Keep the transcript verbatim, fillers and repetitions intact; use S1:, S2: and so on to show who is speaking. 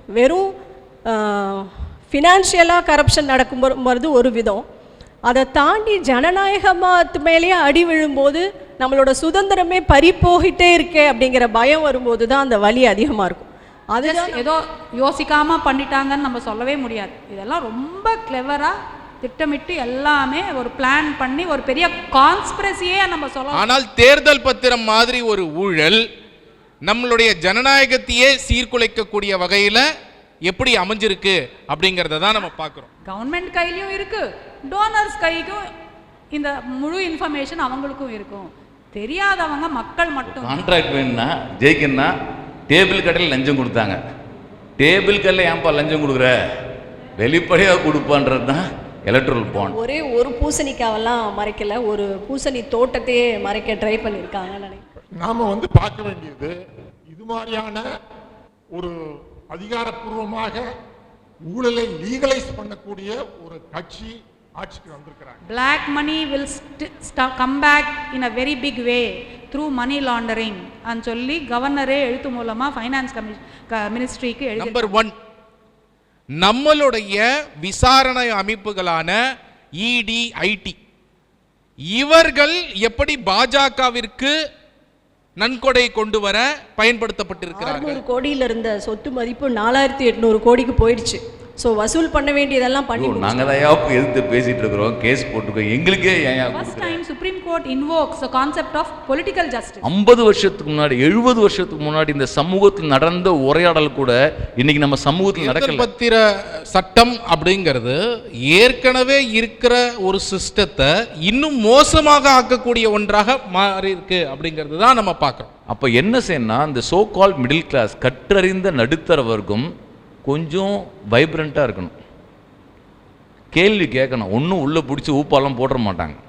S1: வெறும் ஃபினான்ஷியலாக கரப்ஷன் நடக்கும்போது ஒரு விதம், அதை தாண்டி ஜனநாயகத்து மேலேயே அடி விழும்போது நம்மளோட சுதந்திரமே பறி போகிட்டே இருக்கே அப்படிங்கிற பயம் வரும்போது தான் அந்த வலி அதிகமாக இருக்கும். அது
S2: ஏதோ யோசிக்காமல் பண்ணிட்டாங்கன்னு நம்ம சொல்லவே முடியாது. இதெல்லாம் ரொம்ப கிளவராக திட்டமிட்டு எல்லாமே ஒரு பிளான் பண்ணி ஒரு பெரிய கான்ஸ்பிரசியே நம்ம சொல்லலாம்.
S3: ஆனால் தேர்தல் பத்திரம் மாதிரி ஒரு ஊழல் நம்மளுடைய ஜனநாயகத்தையே சீர்குலைக்கக்கூடிய வகையில் எப்படி அமைஞ்சிருக்கு அப்படிங்கிறத தான் நம்ம பார்க்குறோம்.
S2: கவர்மெண்ட் கையிலையும் இருக்கு, டோனர்ஸ் கைக்கும் இந்த முழு இன்ஃபர்மேஷன் அவங்களுக்கும் இருக்கும். தெரியாதவங்க மக்கள் மட்டும்.
S4: கான்ட்ராக்ட் வேணும்னா ஜெயிக்கணும்னா டேபிள் கடையில் லஞ்சம் கொடுத்தாங்க. டேபிள் கடையில் ஏன்பா லஞ்சம் கொடுக்குற, வெளிப்படையாக கொடுப்பான்றது தான் எலக்ட்ரல் பாண்ட்.
S1: ஒரே ஒரு பூசணிக்காவெல்லாம் மறைக்கல, ஒரு பூசணி தோட்டத்தையே மறைக்க ட்ரை பண்ணியிருக்காங்க நினைக்கிறேன்.
S5: நாம வந்து பார்க்க வேண்டியது இது மாதிரியான ஒரு அதிகாரப்பூர்வமாக ஊழலை லீகலைஸ் பண்ணக்கூடிய ஒரு கட்சி ஆட்சிக்கு வந்திருக்கிறாங்க.
S2: Black money will come back in a very big way through money laundering and சொல்லி கவர்னரே எழுத்து மூலமா ஃபைனான்ஸ் மினிஸ்ட்ரிக்கு எழுதி.
S3: நம்பர் ஒன், நம்மளுடைய விசாரணை அமைப்புகளான இடி, ஐடி இவர்கள் எப்படி பாஜகவிற்கு நன்கொடை கொண்டு வர பயன்படுத்தப்பட்டிருக்கிறார்கள்.
S1: ஆறுநூறு கோடியில் இருந்த சொத்து மதிப்பு நாலாயிரத்தி எட்நூறு கோடிக்கு போயிடுச்சு. ஸோ வசூல் பண்ண வேண்டியதெல்லாம் பண்ணி
S4: நாங்கள் தான் எதிர்த்து பேசிட்டு இருக்கிறோம், கேஸ் போட்டுருக்கோம். எங்களுக்கே
S2: first time supreme court invokes the concept of political justice.
S4: ஐம்பது வருஷத்துக்கு முன்னாடி எழுபது வருஷத்துக்கு முன்னாடி இந்த சமூகத்தில் நடந்த உரையாடல் கூட இன்னைக்கு நம்ம சமூகத்தில் நடக்கல.
S3: பத்திர சட்டம் அப்படிங்கிறது ஏற்கனவே இருக்கிற ஒரு சிஸ்டத்தை இன்னும் மோசமாக ஆக்கக்கூடிய ஒன்றாக மாறி இருக்கு அப்படிங்கிறது தான் நம்ம பார்க்குறோம்.
S4: அப்போ என்ன செய்யணும்னா இந்த சோ கால் மிடில் கிளாஸ் கற்றறிந்த நடுத்தர வர்க்கம் கொஞ்சம் வைப்ரண்ட்டாக இருக்கணும், கேள்வி கேட்கணும். ஒன்றும் உள்ளே பிடிச்சி ஊப்பாலாம் போட மாட்டாங்க.